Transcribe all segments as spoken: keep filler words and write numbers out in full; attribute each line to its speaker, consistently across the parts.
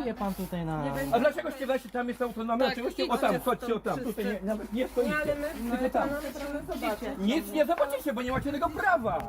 Speaker 1: Pracuje pan tutaj na...
Speaker 2: A dlaczego ściegacie, tam jest autonomia?
Speaker 3: Tak,
Speaker 2: Oczywiście, o
Speaker 3: idźcie
Speaker 2: tam, chodźcie o
Speaker 3: stąd
Speaker 2: tam,
Speaker 3: wszyscy.
Speaker 2: tutaj nie, nawet nie
Speaker 3: Nie,
Speaker 2: wchodzicie.
Speaker 3: ale my,
Speaker 2: Tylko
Speaker 3: ale
Speaker 2: tam.
Speaker 3: pana proszę zobaczyć.
Speaker 2: Nic nie zobaczycie, bo nie macie tego prawa.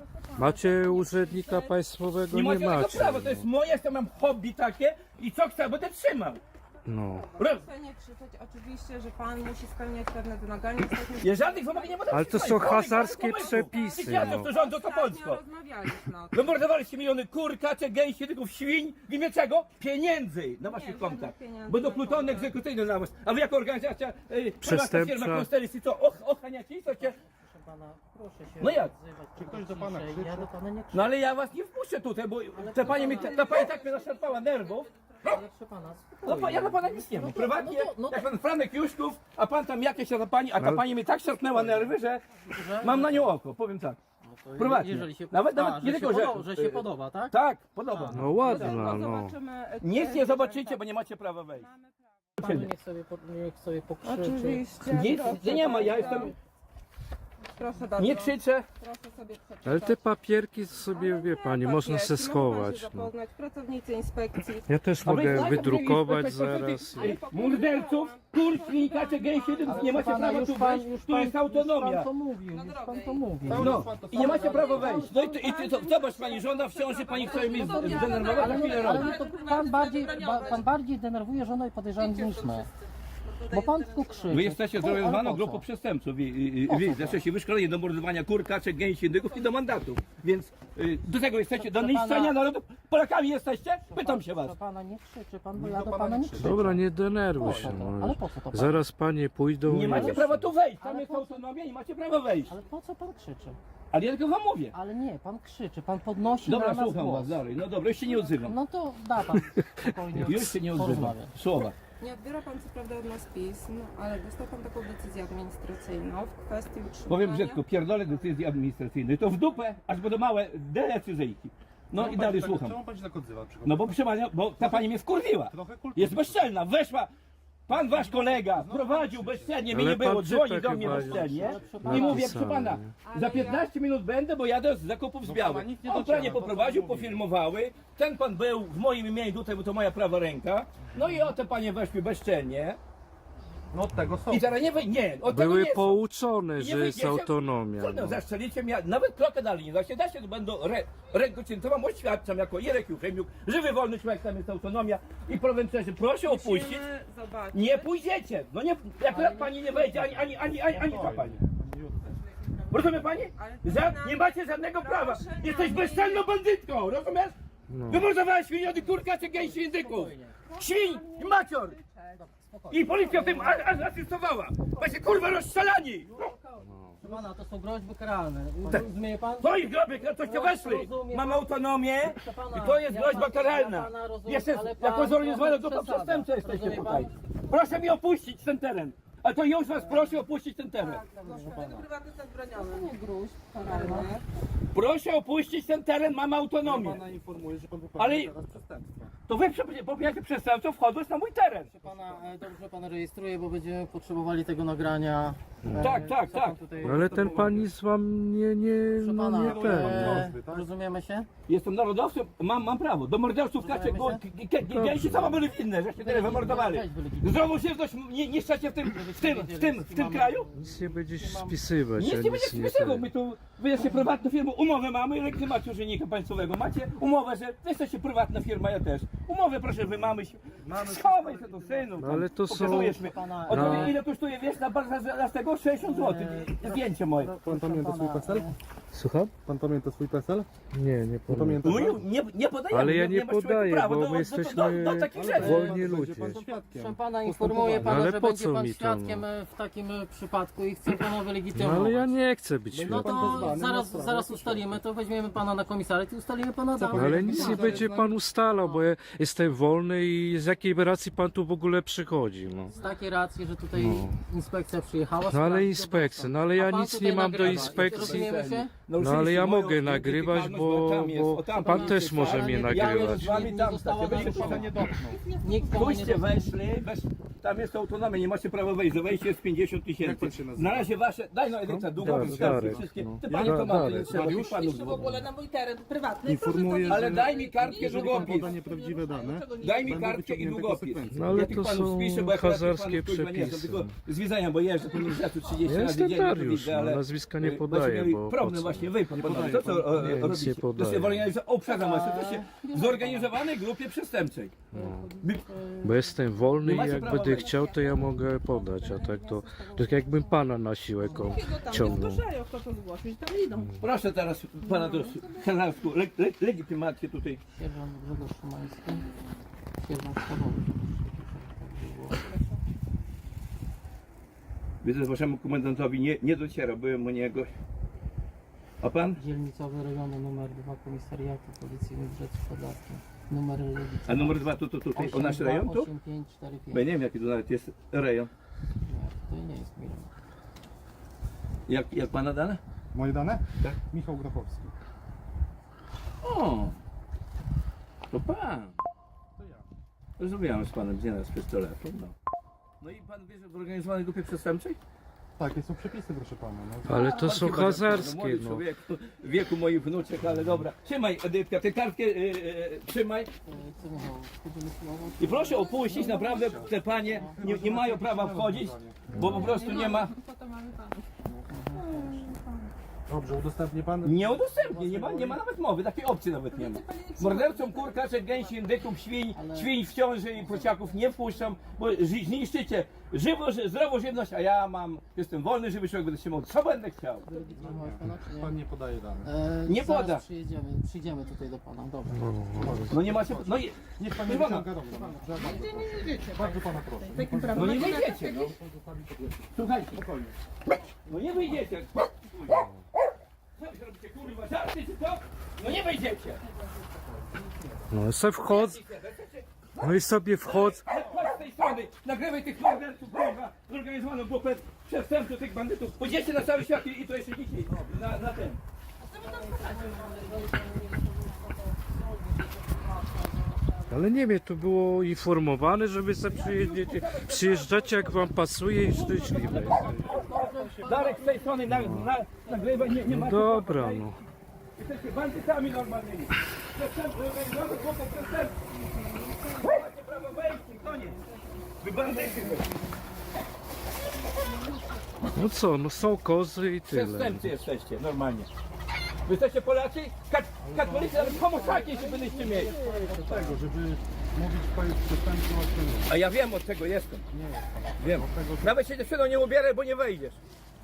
Speaker 4: Macie urzędnika państwowego?
Speaker 2: Nie
Speaker 4: Nie
Speaker 2: macie tego
Speaker 4: macie.
Speaker 2: prawa, to jest moje, ja mam hobby takie i co chcę, będę trzymał.
Speaker 4: No.
Speaker 2: Roz...
Speaker 3: Proszę nie krzyczeć, oczywiście, że pan musi spełniać pewne wymagania. Jesteśmy...
Speaker 2: Ja żadnych wymagań nie będę
Speaker 4: Ale to
Speaker 2: trzymał.
Speaker 4: są hasarskie przepisy,
Speaker 2: Tych
Speaker 4: no.
Speaker 2: to rządzą to
Speaker 3: Ostatnio
Speaker 2: Polsko.
Speaker 3: rozmawialiśmy o tym.
Speaker 2: Wymordowaliście miliony kur, kaczek, gęsi, tyków, świń. W imię czego? Pieniędzy na waszych
Speaker 3: żadnych
Speaker 2: kontach.
Speaker 3: pieniędzy
Speaker 2: Będą
Speaker 3: na
Speaker 2: plutony
Speaker 3: kontach.
Speaker 2: egzekucyjne na was. A wy jako organizacja, y, prywatna
Speaker 4: Przestępcza.
Speaker 2: firma Konstelis i co? Och, ochaniacie i co cię?
Speaker 1: Proszę pana, proszę się
Speaker 2: No jak?
Speaker 1: odzywać. Czy ktoś do pana krzyczy? Ja do pana nie krzyczę.
Speaker 2: No ale ja was nie wpuszczę tutaj, bo ta pani, mi, ta pani tak mnie zaszarpała nerwów.
Speaker 1: Ale proszę pana,
Speaker 2: No,
Speaker 1: spokojnie.
Speaker 2: pa- ja na pana nic nie mam. Prywatnie,
Speaker 1: no to- no to-
Speaker 2: jak pan Franek Juszków, a pan tam jakieś, a ta pani, a ta
Speaker 4: Ale-
Speaker 2: pani mi tak szarpnęła nerwy, że mam na nią oko, powiem tak.
Speaker 1: To
Speaker 2: Prywatnie.
Speaker 1: Jeżeli się,
Speaker 2: Nawet-
Speaker 1: a,
Speaker 2: nawet nie
Speaker 1: że,
Speaker 2: tylko,
Speaker 1: się
Speaker 2: że-
Speaker 1: podoba, że się podoba, tak?
Speaker 2: Tak, podoba.
Speaker 4: No ładna,
Speaker 3: Tylko
Speaker 4: no.
Speaker 3: zobaczymy...
Speaker 2: Nic nie zobaczycie, bo nie macie prawa wejść.
Speaker 1: Panu niech sobie, po- niech sobie pokrzyczy.
Speaker 3: Oczywiście.
Speaker 2: Nic
Speaker 3: proszę
Speaker 2: nie ma, ja
Speaker 3: bardzo.
Speaker 2: jestem,
Speaker 3: Proszę bardzo.
Speaker 2: nie krzyczę.
Speaker 3: Proszę sobie przeczytać.
Speaker 4: Ale te papierki sobie,
Speaker 3: Ale
Speaker 4: wie
Speaker 3: nie,
Speaker 4: pani,
Speaker 3: papierki,
Speaker 4: można se
Speaker 3: mogą
Speaker 4: schować.
Speaker 3: się
Speaker 4: No.
Speaker 3: zapoznać, pracownicy inspekcji.
Speaker 4: Ja też
Speaker 2: A wy
Speaker 4: mogę
Speaker 2: znacie
Speaker 4: wydrukować
Speaker 2: tych
Speaker 4: zaraz.
Speaker 2: tych Morderców, kur, świn, kaczek, gęsi, nie macie prawa tu wejść, tu jest autonomia.
Speaker 1: Pan to mówił, już pan to mówił.
Speaker 2: No i nie macie prawa wejść. No i ty, i ty to, zobacz pani, żona w ciąży, pani chce mnie zdenerwować,
Speaker 1: Ale,
Speaker 2: a chwilę
Speaker 1: no, ale
Speaker 2: robi.
Speaker 1: no to pan bardziej, ba, pan bardziej denerwuje żonę i podejrzany niż my. Bo pan tylko krzyczy.
Speaker 2: Wy jesteście
Speaker 1: Po- ale
Speaker 2: zorganizowaną
Speaker 1: po
Speaker 2: grupą
Speaker 1: co?
Speaker 2: przestępców. Wy, wy, wy jesteście wyszkoleni do mordowania kur, kaczek, gęsi, indyków i do mandatów. Więc y, do tego jesteście, do
Speaker 1: Proszę
Speaker 2: niszczenia
Speaker 1: pana-
Speaker 2: narodu. Polakami jesteście? Pytam się was.
Speaker 1: Proszę pana, nie krzyczy pan, bo ja do pana nie krzyczę.
Speaker 4: Dobra, nie denerwuj się.
Speaker 1: Po co to?
Speaker 4: No.
Speaker 1: Ale po co to pan?
Speaker 4: Zaraz panie pójdą.
Speaker 2: Nie
Speaker 4: i-
Speaker 2: macie prawa tu wejść. Tam
Speaker 1: Ale
Speaker 2: jest
Speaker 1: po co?
Speaker 2: autonomia, nie macie prawa wejść.
Speaker 1: Ale po co pan krzyczy?
Speaker 2: Ale ja tylko wam mówię.
Speaker 1: Ale nie, pan krzyczy, pan podnosi
Speaker 2: Dobra,
Speaker 1: na nas
Speaker 2: słucham
Speaker 1: głos.
Speaker 2: was dalej. No dobra, już się nie odzywam.
Speaker 1: No to da pan spokojnie
Speaker 2: Już się nie odzywam.
Speaker 1: porozmawiać.
Speaker 2: Słowa.
Speaker 3: Nie odbiera pan co prawda od nas pism, ale dostał pan taką decyzję administracyjną w kwestii utrzymania...
Speaker 2: Powiem brzydko, pierdolę decyzji administracyjnej. To w dupę, aż będą małe decyzyjki. No i dalej słucham.
Speaker 5: Czemu pan się tak odzywa? Przykład?
Speaker 2: No bo proszę panią, bo ta pani mnie wkurwiła.
Speaker 5: Trochę kultury.
Speaker 2: Jest bezczelna, weszła. Pan wasz kolega prowadził bezczelnie, mnie
Speaker 4: Ale
Speaker 2: nie było,
Speaker 4: pan
Speaker 2: dzwoni
Speaker 4: czyta
Speaker 2: do mnie
Speaker 4: chyba
Speaker 2: bezczelnie
Speaker 4: już
Speaker 2: i mówię, proszę
Speaker 4: napisane,
Speaker 2: pana, za piętnaście minut będę, bo jadę z zakupów z Białych.
Speaker 5: nic nie
Speaker 2: On
Speaker 5: dociera,
Speaker 2: pranie
Speaker 5: to co
Speaker 2: poprowadził,
Speaker 5: pan mówi.
Speaker 2: pofilmowały, ten pan był w moim imieniu tutaj, bo to moja prawa ręka, no i o te panie weszły bezczelnie
Speaker 5: No od tego są.
Speaker 2: i teraz nie, wy- nie, od tego
Speaker 4: Były
Speaker 2: nie są.
Speaker 4: pouczone,
Speaker 2: Nie
Speaker 4: że jest
Speaker 2: wyjdziecie?
Speaker 4: autonomia.
Speaker 2: Trudno,
Speaker 4: No.
Speaker 2: zastrzelicie mnie, nawet krokę dalej nie da się, da się, to będą re, rękociętową, oświadczam jako Jerek Juchemiuk, żywy wolny człowiek, tam jest autonomia i prowencerzy, proszę opuścić.
Speaker 3: Musimy zobaczyć.
Speaker 2: Nie pójdziecie! No nie, jak pani nie wejdzie, ani, ani, ani, ani, ani ta pani. Rozumie pani? Za, nie macie żadnego prawa. Jesteś bezczelną bandytką, rozumiesz?
Speaker 4: No.
Speaker 2: Wymordowałeś miliony kurka czy gęsi indyków. Świń i macior. I policja w tym a- a- asystowała. Właśnie kurwa rozstrzelani.
Speaker 1: Proszę pana, to są groźby karalne.
Speaker 2: Tak.
Speaker 1: Rozumie pan?
Speaker 2: Twoich grobek na toście weszli.
Speaker 1: Rozumiem.
Speaker 2: Mam autonomię
Speaker 1: Proszę pana,
Speaker 2: i to jest
Speaker 1: ja
Speaker 2: groźba
Speaker 1: pan-
Speaker 2: karalna.
Speaker 1: ja pana rozumiem,
Speaker 2: Jesteś
Speaker 1: ale pan
Speaker 2: jako zorganizowana
Speaker 1: trochę
Speaker 2: grupa
Speaker 1: przesadza.
Speaker 2: przestępcza jesteście
Speaker 1: Rozumie
Speaker 2: tutaj.
Speaker 1: pan?
Speaker 2: Proszę mi opuścić ten teren. A to już was proszę opuścić ten teren.
Speaker 3: Prywatny zabroniony. Nie gruźb karalnych.
Speaker 2: Proszę opuścić ten teren, mam autonomię.
Speaker 5: Pana informuje, że pan
Speaker 2: Ale-
Speaker 5: popełnił teraz przestępstwo.
Speaker 2: To wy prze- popełniacie przestępstwo wchodząc na mój teren.
Speaker 1: Proszę pana, e, dobrze pan rejestruje, bo będziemy potrzebowali tego nagrania. E,
Speaker 2: Tak, tak,
Speaker 1: co pan
Speaker 2: tak.
Speaker 1: tutaj-
Speaker 4: Ale ten pan nic wam nie, nie,
Speaker 1: Proszę
Speaker 4: no
Speaker 1: pana,
Speaker 4: nie ten.
Speaker 1: e,
Speaker 5: Groźby, tak?
Speaker 1: rozumiemy się?
Speaker 2: Jestem narodowcem, mam, mam prawo. Do morderców kacie,
Speaker 1: Rozumiemy się?
Speaker 2: gęsi sama byli winne, żeście tyle wymordowali.
Speaker 1: Weź wylegitymuj.
Speaker 2: Zdrową żywność nie, niszczacie w tym, w tym, w tym, w tym kraju?
Speaker 4: Nic nie będziesz spisywać.
Speaker 2: Nic
Speaker 4: ja
Speaker 2: nie będziecie
Speaker 4: nie
Speaker 2: spisywał,
Speaker 4: ten.
Speaker 2: my tu, wy jesteście prywatną firmą, umowę mamy i legitymację urzędnika państwowego. Macie umowę, że wy jesteście prywatna firma, ja też. Umowę proszę, wy mamy się. Schowaj się do synu.
Speaker 4: No ale to są-
Speaker 2: Pokazujesz mi.
Speaker 1: Pana,
Speaker 2: O, to
Speaker 4: no.
Speaker 2: ile kosztuje, wiesz, na bardzo z tego sześćdziesiąt złotych. Zdjęcie moje.
Speaker 5: Pan pamięta swój PESEL?
Speaker 4: Słucham?
Speaker 5: Pan pamięta swój PESEL?
Speaker 4: Nie, nie
Speaker 5: Nie
Speaker 4: powiem.
Speaker 5: pamięta
Speaker 2: No,
Speaker 5: pan?
Speaker 2: nie, nie podajemy.
Speaker 4: Ale ja nie
Speaker 2: masz człowieku
Speaker 4: podaję,
Speaker 2: prawa
Speaker 4: bo
Speaker 2: do,
Speaker 4: my
Speaker 2: do,
Speaker 4: jesteśmy
Speaker 2: do, do, do takich rzeczy.
Speaker 4: wolni
Speaker 5: Będzie
Speaker 4: ludzie.
Speaker 5: pan świadkiem.
Speaker 1: Proszę pana, informuję pana,
Speaker 4: Ale
Speaker 1: że
Speaker 4: po
Speaker 1: będzie
Speaker 4: co
Speaker 1: pan
Speaker 4: mi to,
Speaker 1: świadkiem
Speaker 4: no?
Speaker 1: e, w takim e, przypadku i chcę pana
Speaker 4: No
Speaker 1: wylegitymować.
Speaker 4: ale ja nie chcę być
Speaker 1: No
Speaker 4: świadkiem.
Speaker 5: pan
Speaker 1: to
Speaker 5: wezwany na
Speaker 1: zaraz,
Speaker 5: sprawę,
Speaker 1: zaraz
Speaker 5: proszę.
Speaker 1: ustalimy, to weźmiemy pana na komisariat i ustalimy pana dane.
Speaker 4: No, ale nic nie będzie pan ustalał, bo ja jestem wolny i z jakiej racji pan tu w ogóle przychodzi, no.
Speaker 1: Z takiej racji, że tutaj inspekcja przyjechała.
Speaker 4: No ale
Speaker 1: sprawdzić
Speaker 4: inspekcja,
Speaker 1: obecność.
Speaker 4: no ale ja
Speaker 1: A pan
Speaker 4: nic
Speaker 1: tutaj
Speaker 4: nie mam do
Speaker 1: nagrywa.
Speaker 4: inspekcji.
Speaker 1: Rozumiemy się?
Speaker 4: No ale
Speaker 2: naruszyliście
Speaker 4: ja
Speaker 2: moją
Speaker 4: mogę nagrywać,
Speaker 2: nietykalność,
Speaker 4: bo,
Speaker 2: tam jest, o
Speaker 4: bo
Speaker 2: tam
Speaker 4: pan
Speaker 2: jest,
Speaker 4: też
Speaker 2: tak?
Speaker 4: może
Speaker 1: Ale
Speaker 4: mnie
Speaker 1: nie-
Speaker 2: Ja
Speaker 4: nagrywać.
Speaker 2: jestem z wami
Speaker 1: Nie
Speaker 2: tam,
Speaker 1: została
Speaker 2: tak, ja
Speaker 1: naruszona.
Speaker 2: będę
Speaker 5: nie dotknął.
Speaker 1: Nikt komu nie
Speaker 2: Pójdźcie,
Speaker 1: dotknął.
Speaker 2: weszli, wesz... tam jest autonomia, nie macie prawa wejść, za wejście jest pięćdziesiąt
Speaker 5: Jak
Speaker 2: tysięcy.
Speaker 5: pan się nazywa?
Speaker 2: Na razie wasze, daj no Edyta, długopis,
Speaker 4: Darek,
Speaker 2: kartki,
Speaker 4: Darek,
Speaker 2: wszystkie.
Speaker 4: no.
Speaker 2: Ty
Speaker 4: Ja-
Speaker 2: panie to ma, to nie
Speaker 4: Darek.
Speaker 2: trzeba tych
Speaker 5: Mariusz?
Speaker 2: panów
Speaker 6: w ogóle na mój teren prywatny.
Speaker 5: Informuję,
Speaker 6: proszę to-
Speaker 2: Ale
Speaker 5: że
Speaker 2: daj mi kartkę,
Speaker 5: jeżeli pan
Speaker 2: długopis.
Speaker 5: poda nieprawdziwe dane,
Speaker 2: Daj mi
Speaker 5: będą
Speaker 2: kartkę i
Speaker 5: wyciągnięte
Speaker 2: długopis.
Speaker 5: konsekwencje.
Speaker 4: No ale
Speaker 2: Ja tych
Speaker 4: to
Speaker 2: panów
Speaker 4: są
Speaker 2: spiszę, bo akurat tych
Speaker 4: hazarskie
Speaker 2: panów, kurwa, nie znam,
Speaker 4: przepisy.
Speaker 2: tylko z widzenia, bo jeżdżę po Uniwersytetu trzydzieści
Speaker 4: Ja
Speaker 2: razy
Speaker 4: jestem
Speaker 2: dziennie, to
Speaker 4: Dariusz,
Speaker 2: widzę,
Speaker 4: no,
Speaker 2: ale...
Speaker 4: nazwiska nie
Speaker 2: y,
Speaker 4: podaję,
Speaker 2: właśnie mieli
Speaker 4: bo po
Speaker 2: problem
Speaker 4: co?
Speaker 2: właśnie wy, pan panowie,
Speaker 5: podaję,
Speaker 2: to co
Speaker 5: pan-
Speaker 2: e,
Speaker 4: nie, nic
Speaker 2: robicie?
Speaker 4: nie
Speaker 2: To
Speaker 4: podaję.
Speaker 2: jest organizacja, o przepraszam, to się w zorganizowanej grupie przestępczej. By-
Speaker 4: Bo jestem wolny
Speaker 2: Nie
Speaker 4: i
Speaker 2: macie
Speaker 4: jak
Speaker 2: prawa
Speaker 4: będę
Speaker 2: wejść.
Speaker 4: chciał, to ja mogę podać, a tak to tak jakbym pana na siłę ko-
Speaker 6: Takiego tam nie
Speaker 4: ciągnął.
Speaker 6: zgłaszają, kto to zgłosił, tam idą.
Speaker 2: Proszę teraz pana do Kanarsku, le, le, legitymację tutaj.
Speaker 1: Sierżant Grzegorz Szymański. Sierżant Stawowy.
Speaker 2: Widzę, że waszemu komendantowi nie, nie dociera, byłem u niego. A pan?
Speaker 1: Dzielnicowy rejonu numer dwa Komisariatu Policyjny Brzec Podlaskie. Numer legitymacji.
Speaker 2: A numer dwa to, to tutaj, o nasz rejon tu?
Speaker 1: osiem pięć cztery
Speaker 2: Bo ja
Speaker 1: pięć.
Speaker 2: nie wiem jaki to nawet jest rejon.
Speaker 1: Nie, to nie jest milion.
Speaker 2: Jak, jak pana dane?
Speaker 5: Moje dane?
Speaker 2: Tak.
Speaker 5: Michał Grafowski.
Speaker 2: O! To pan.
Speaker 5: To ja.
Speaker 2: Rozmawiałem z panem z nieraz z pistoletu. No. No i pan wie, że w zorganizowanej grupie przestępczej?
Speaker 5: Takie są przepisy, proszę pana. No.
Speaker 4: Ale to
Speaker 2: Pan
Speaker 4: są
Speaker 2: chyba tak,
Speaker 4: hazarskie,
Speaker 2: młody
Speaker 4: no.
Speaker 2: człowiek, w wieku moich wnuczek, ale dobra. Trzymaj Edytka, tę kartkę yy, yy, trzymaj.
Speaker 1: E, Co Michał, wchodzimy słowo?
Speaker 2: I proszę opuścić, naprawdę te panie nie, nie mają prawa wchodzić, bo po prostu nie ma.
Speaker 5: Dobrze, udostępni pan?
Speaker 2: Nie udostępnię, nie ma, nie ma nawet mowy, takiej opcji nawet nie ma. Mordercom kur, kaczek, gęsi, indyków, świń, świń w ciąży i prosiaków nie wpuszczam, bo zi- zniszczycie żywo, ży- zdrową żywność, a ja mam, jestem wolny, żywy człowiek, będę się mógł, co będę chciał.
Speaker 1: Wylegitymować pana, czy nie?
Speaker 5: Pan nie podaje danych.
Speaker 1: E,
Speaker 2: Nie
Speaker 1: zaraz
Speaker 2: poda.
Speaker 1: Przyjedziemy, przyjdziemy tutaj do pana, dobra.
Speaker 2: No nie macie, no, i-
Speaker 5: Niech pan nie
Speaker 2: Proszę pana.
Speaker 5: wyciąga rąk. Dobrze, bardzo pana proszę.
Speaker 2: no nie wyjdziecie, no. Słuchajcie, spokojnie. No nie wyjdziecie. Co wy robicie, kurwa, żarty czy co? No nie wyjdziecie.
Speaker 4: No i sobie wchodzę, no i sobie wchodzę.
Speaker 2: Chodź z tej strony, nagrywaj tych morderców, kurwa, zorganizowaną grupę przestępców, tych bandytów. Pójdziecie na cały świat i, i to jeszcze dzisiaj, na, na ten.
Speaker 4: Ale nie wiem, to było informowane, że wy sobie przyjedziecie, przyjeżdżacie jak wam pasuje i szczęśliwe.
Speaker 2: Darek z tej strony, na, na, nagrywaj, nie, nie
Speaker 4: No
Speaker 2: macie
Speaker 4: dobra,
Speaker 2: prawa wejść.
Speaker 4: no.
Speaker 2: Jesteście bandytami normalnymi. Przestępcy, zorganizowane grupy przestępców. Nie macie prawa wejść, koniec. Wy bandyty.
Speaker 4: No co, no są kozy i tyle.
Speaker 2: Przestępcy jesteście, normalnie. Wy jesteście Polacy? Kat katolicy, nawet homosakie się byliście mieli.
Speaker 5: Od tego, żeby mówić kto jest przestępcą, a kto nie.
Speaker 2: A ja wiem od czego jestem. Wiem. Nawet się dziewczyną nie ubieraj, bo nie wejdziesz.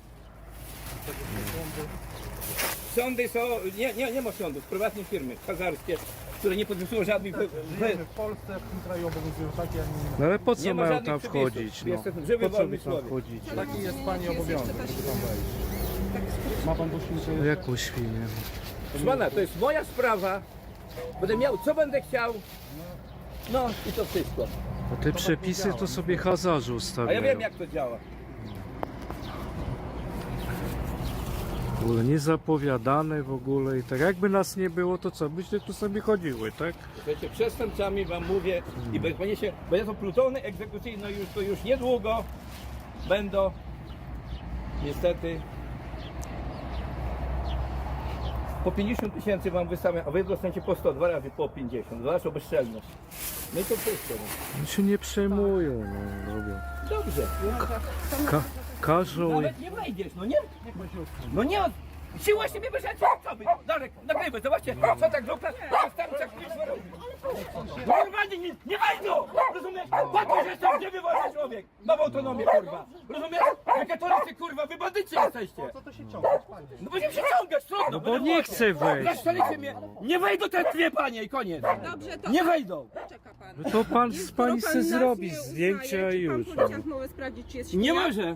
Speaker 2: Sądy są, nie, nie, nie ma sądów, prywatne firmy hazarskie, które nie podpisują żadnych... we- we-
Speaker 5: Wiemy, w Polsce, w tym kraju obowiązują takie, a nie inne.
Speaker 4: No ale po co
Speaker 2: Nie ma
Speaker 4: mają
Speaker 2: żadnych
Speaker 4: tam
Speaker 2: przepisów.
Speaker 4: wchodzić, no?
Speaker 2: Jestem żywy,
Speaker 4: Po co
Speaker 2: wolny
Speaker 4: wy tam
Speaker 2: człowiek.
Speaker 4: wchodzicie?
Speaker 5: Taki jest pani obowiązek, żeby tam wejść. Ma pan doświadczenie?
Speaker 4: No jaką świnię?
Speaker 2: Proszę pana, to jest moja sprawa. Będę miał co będę chciał. No i to wszystko.
Speaker 4: A te przepisy to sobie hazarze
Speaker 2: A
Speaker 4: ustawiają.
Speaker 2: ja wiem jak to działa.
Speaker 4: W ogóle niezapowiadane w ogóle i tak jakby nas nie było, to co, byście tu sobie chodziły, tak?
Speaker 2: Słuchajcie, przestępcami wam mówię i będzie się, będzie to plutony egzekucyjne już to już niedługo będą niestety po pięćdziesiąt tysięcy wam wystawiam, a wy dostaniecie po sto, dwa razy po pięćdziesiąt, za waszą bezczelność. No i to wszystko. No.
Speaker 4: Oni się nie przejmują, no robią.
Speaker 2: Dobrze.
Speaker 4: Ka każą i...
Speaker 2: Nawet nie wejdziesz, no nie. No nie. Siła siebie bierzecie, co wy? Darek, nagrywaj, zobaczcie, co tak grupa przestępcza kurwa robi. Normalnie nie, nie wejdą! Rozumiesz? Patrz, że jestem gdzie wolny człowiek. Mam autonomię, kurwa. Rozumiesz? Wy katolicy, kurwa, wy bandyci jesteście.
Speaker 5: Co to się ciągać, panie?
Speaker 2: No będziemy się ciągać, trudno.
Speaker 4: No bo nie chcę wejść.
Speaker 2: Zaszczelicie mnie. Nie wejdą te dwie panie i koniec.
Speaker 3: Dobrze, to
Speaker 2: Nie wejdą.
Speaker 3: czeka pan.
Speaker 4: No to pan z
Speaker 3: Skoro
Speaker 4: pani
Speaker 3: pan
Speaker 4: se
Speaker 3: nas
Speaker 4: zrobi
Speaker 3: nie
Speaker 4: zdjęcia
Speaker 3: uznaje,
Speaker 4: i
Speaker 3: czy pan
Speaker 4: już.
Speaker 3: policjant może sprawdzić, czy jest
Speaker 2: Nie
Speaker 3: świnia?
Speaker 2: może.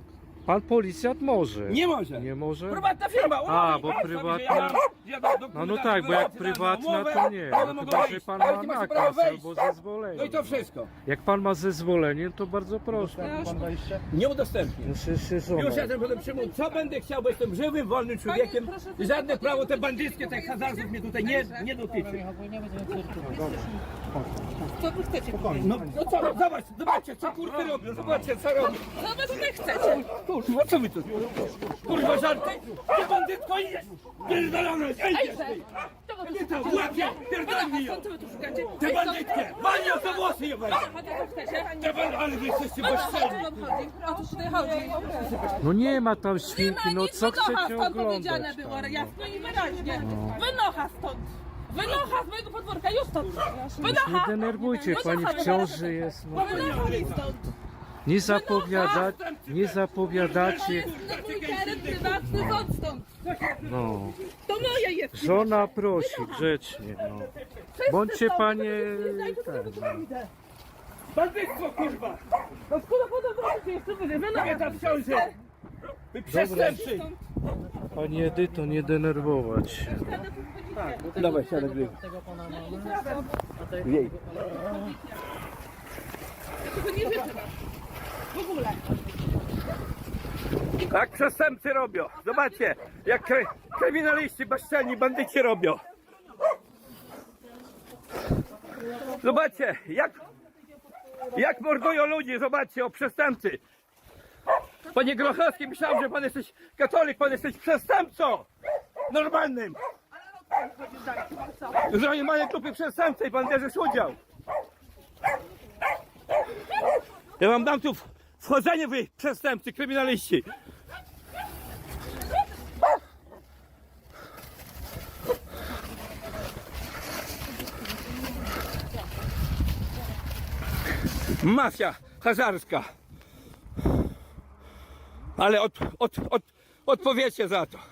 Speaker 4: Pan policjant może.
Speaker 2: Nie może.
Speaker 4: Nie może?
Speaker 2: Prywatna firma, umowy.
Speaker 4: A, bo
Speaker 2: Pan sobie,
Speaker 4: prywatna-
Speaker 2: że ja- ja do- do-
Speaker 4: No, no
Speaker 2: do-
Speaker 4: tak, bo jak
Speaker 2: do-
Speaker 4: prywatna
Speaker 2: umowę,
Speaker 4: to nie.
Speaker 2: one
Speaker 4: No
Speaker 2: mogą
Speaker 4: chyba, że
Speaker 2: wejść.
Speaker 4: pan
Speaker 2: Ale
Speaker 4: ma
Speaker 2: nie macie prawa
Speaker 4: nakaz
Speaker 2: wejść.
Speaker 4: albo zezwolenie.
Speaker 2: No i to wszystko.
Speaker 4: Jak pan ma zezwolenie, to bardzo proszę.
Speaker 5: Pan wejście?
Speaker 2: Nie udostępnię.
Speaker 4: No się, się żona.
Speaker 2: Już jestem potem przyjmą, co będę chciał, bo jestem żywym, wolnym człowiekiem i żadne prawo te bandyckie, te hazardów mnie tutaj nie, nie dotyczy.
Speaker 1: Nie będziemy cyrkulować.
Speaker 6: Co wy chcecie?
Speaker 2: No, no co, no, zobacz, zobaczcie, co kurwy robią, zobaczcie, co robią.
Speaker 6: Co wy tutaj chcecie?
Speaker 2: Kurwa, co wy tu? Kurwa, żarty? Ty bandytko idziesz! Pierdolone, idziesz ty! Nie to, łapie, pierdolnij ją!
Speaker 6: Co wy tu szukacie?
Speaker 2: Te bandytkie! Wali ją za włosy je weź!
Speaker 6: A co chcecie?
Speaker 2: Te bandy, ale wy jesteście
Speaker 6: O
Speaker 2: bezczelni!
Speaker 6: co wam chodzi? O co tutaj chodzi?
Speaker 4: No nie ma tam
Speaker 6: Nie
Speaker 4: świnki,
Speaker 6: ma
Speaker 4: no
Speaker 6: nic,
Speaker 4: co
Speaker 6: wynocha
Speaker 4: chcecie
Speaker 6: stąd powiedziane
Speaker 4: oglądać
Speaker 6: było,
Speaker 4: tam?
Speaker 6: jasno i wyraźnie. Wynocha stąd! Wynocha z mojego podwórka, już stąd!
Speaker 4: Nie
Speaker 6: Wynocha!
Speaker 4: denerwujcie, pani w ciąży jest. No.
Speaker 6: Wynocha mi stąd!
Speaker 4: Nie zapowiada, nie
Speaker 6: To
Speaker 4: zapowiadacie.
Speaker 6: jest mój teren prywatny, chodź stąd!
Speaker 4: No.
Speaker 6: To moje jest!
Speaker 4: Żona prosi grzecznie, no. Bądźcie panie ten, no.
Speaker 2: Bandytstwo, kurwa!
Speaker 6: No skoro potem wrócicie jeszcze wyżej, wynocha!
Speaker 2: Nie tam w ciąży! Wy przestępcy!
Speaker 4: Pani Edyto, nie denerwować się.
Speaker 2: Dawaj, siadaj, gry.
Speaker 1: Tego pana mamy. A tej
Speaker 2: Jej.
Speaker 6: Tego nie życzę wam. W ogóle.
Speaker 2: Tak przestępcy robią. Zobaczcie, jak kry, kryminaliści, bezczelni, bandyci robią. Zobaczcie, jak, jak mordują ludzi, zobaczcie, o przestępcy. Panie Grochowski, myślałem, że pan jesteś katolik, pan jesteś przestępcą. Normalnym. Że oni mają grupy przestępcy i pan bierzesz udział. Ja wam dam tu wchodzenie, wy przestępcy, kryminaliści. Mafia hazarska. Ale od, od, od, odpowiecie za to.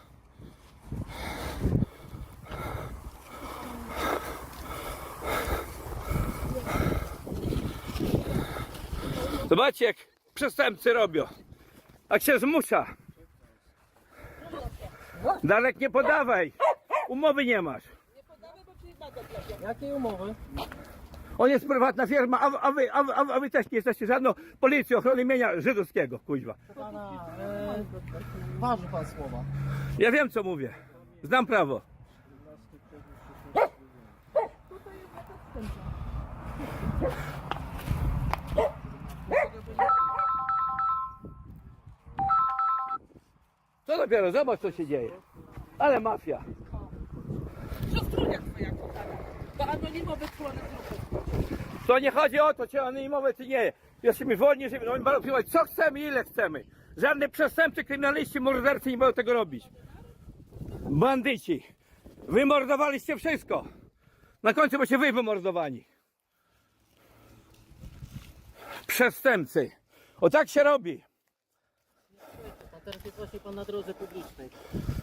Speaker 2: Zobaczcie, jak przestępcy robią. Jak się zmusza. Darek, nie podawaj. Umowy nie masz.
Speaker 1: Jakiej umowy?
Speaker 2: On jest prywatna firma, a, a, wy, a, wy- a, wy- a wy też nie jesteście żadną policją ochrony mienia żydowskiego, kuźwa.
Speaker 1: Pana, e, waży pan słowa.
Speaker 2: Ja wiem, co mówię. Znam prawo. Co dopiero, zobacz, co się dzieje. Ale mafia.
Speaker 6: Siostrunia twoja kochana. Bo anonimowy członek grupy.
Speaker 2: To nie chodzi o to, czy anonimowe, czy nie. Jesteśmy wolni, żeby no, będą robić co chcemy i ile chcemy. Żadne przestępcy, kryminaliści, mordercy nie będą tego robić. Bandyci. Wymordowaliście wszystko. Na końcu będziecie wy wymordowani. Przestępcy. O tak się robi.
Speaker 1: A teraz jest właśnie pan na drodze publicznej.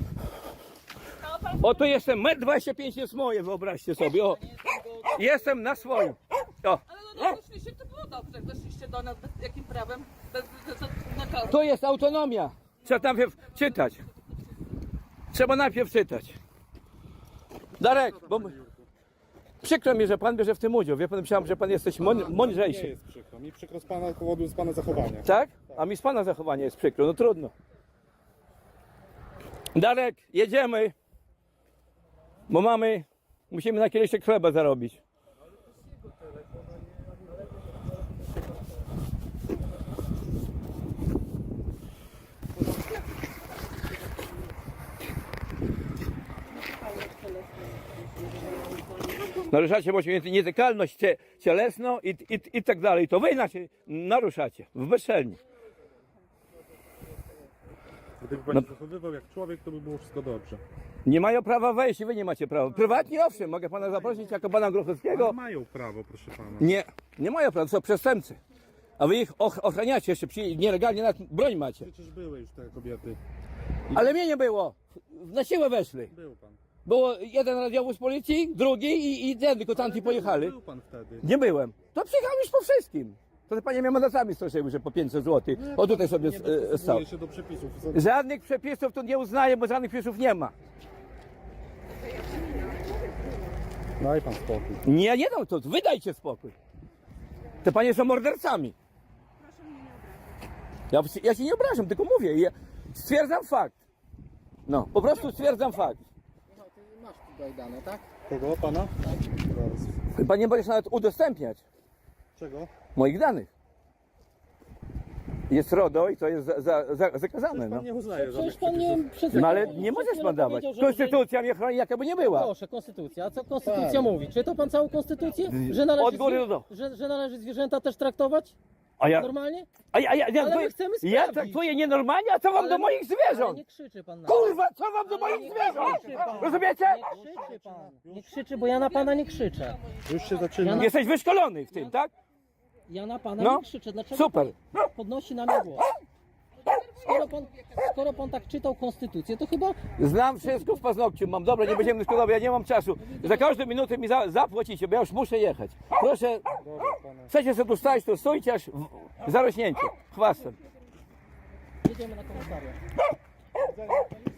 Speaker 2: O tu jestem, metr dwadzieścia pięć jest moje, wyobraźcie sobie. O, jestem na swoim. O,
Speaker 6: Ale no, no weszliście, to było dobrze. Jak weszliście do nas, bez jakim prawem? Bez, bez, bez nakazu.
Speaker 2: to jest autonomia. Trzeba najpierw czytać. Trzeba najpierw czytać. Darek, bo przykro mi, że pan bierze w tym udział. Wie pan, myślałem, że pan jesteś mąd-
Speaker 5: Nie
Speaker 2: mądrzejszy.
Speaker 5: jest przykro. Mi przykro z pana powodu z pana zachowania.
Speaker 2: Tak? A mi z pana zachowania jest przykro. No trudno. Darek, jedziemy. Bo mamy, musimy na kieliszek chleba zarobić. Naruszacie właśnie nietykalność cie, cielesną i, i, i tak dalej. To wy inaczej naruszacie, w bezczelni.
Speaker 5: Gdyby pan
Speaker 2: No.
Speaker 5: się zachowywał jak człowiek, to by było wszystko dobrze.
Speaker 2: Nie mają prawa wejść i wy nie macie prawa. Prywatnie owszem, mogę pana zaprosić jako pana Grochowskiego.
Speaker 5: Ale mają prawo, proszę pana.
Speaker 2: Nie, nie mają prawa, to są przestępcy. A wy ich och- ochraniacie, jeszcze przy, nielegalnie nawet broń macie.
Speaker 5: Przecież były już te kobiety.
Speaker 2: Ale mnie nie było. Na siłę weszli.
Speaker 5: Był pan.
Speaker 2: Było jeden radiowóz policji, drugi i, i ten, tylko tamci pojechali.
Speaker 5: Był pan wtedy.
Speaker 2: Nie byłem. To przyjechałem już po wszystkim. To te panie mnie mandatami straszyły, że po pięćset złotych. O tutaj sobie
Speaker 5: Nie
Speaker 2: e, stał.
Speaker 5: dostosowuje się do przepisów.
Speaker 2: Żadnych przepisów tu nie uznaję, bo żadnych przepisów nie ma.
Speaker 5: Daj pan spokój.
Speaker 2: Nie, nie dam to, wydajcie spokój. Te panie są mordercami. Ja, ja się nie obrażam, tylko mówię. Ja stwierdzam fakt. No, po prostu stwierdzam fakt.
Speaker 1: Masz tutaj dane, tak?
Speaker 5: Kogo? Pana? Zaraz.
Speaker 2: Chyba nie będziesz nawet udostępniać
Speaker 5: Czego?
Speaker 2: moich danych. Jest RODO i to jest za, za, za, zakazane. No.
Speaker 5: Pan nie uznaje żadnych
Speaker 1: Przecież pan nie... Przed
Speaker 2: No ale
Speaker 1: przed
Speaker 2: nie możesz
Speaker 1: chwilą
Speaker 2: pan dawać.
Speaker 1: powiedział, że-
Speaker 2: Konstytucja mnie chroni, jaka by nie była.
Speaker 1: Proszę, konstytucja. A co konstytucja mówi? Czy to pan całą konstytucję? Że należy,
Speaker 2: Od góry
Speaker 1: zwie-
Speaker 2: do dołu.
Speaker 1: że, że należy zwierzęta też traktować
Speaker 2: A ja,
Speaker 1: normalnie?
Speaker 2: a ja, a ja, ja,
Speaker 1: Ale my
Speaker 2: traktuję-
Speaker 1: chcemy
Speaker 2: ja
Speaker 1: sprawdzić.
Speaker 2: traktuję nienormalnie, a co wam
Speaker 1: Ale-
Speaker 2: do moich
Speaker 1: Ale
Speaker 2: zwierząt?
Speaker 1: nie krzyczy pan na
Speaker 2: Kurwa, co wam do moich
Speaker 1: nie
Speaker 2: zwierząt?
Speaker 1: krzyczy pan.
Speaker 2: Rozumiecie?
Speaker 1: Nie krzyczy pan. Nie krzyczy, bo ja na pana nie krzyczę.
Speaker 5: Już się zaczyna.
Speaker 1: Ja
Speaker 2: Jesteś wyszkolony w tym, tak?
Speaker 1: Ja na pana
Speaker 2: No.
Speaker 1: nie krzyczę. Dlaczego
Speaker 2: Super.
Speaker 1: pan podnosi na mnie głos? Skoro pan, skoro pan tak czytał konstytucję, to chyba
Speaker 2: Znam wszystko w paznokciu, mam. Dobra, nie będziemy dyskutować, ja nie mam czasu. Za każdą minutę mi za, zapłacicie, bo ja już muszę jechać. Proszę, chcecie sobie tu stać, to stójcie aż w, zarośnięcie, chwastem.
Speaker 1: jedziemy na komisariat.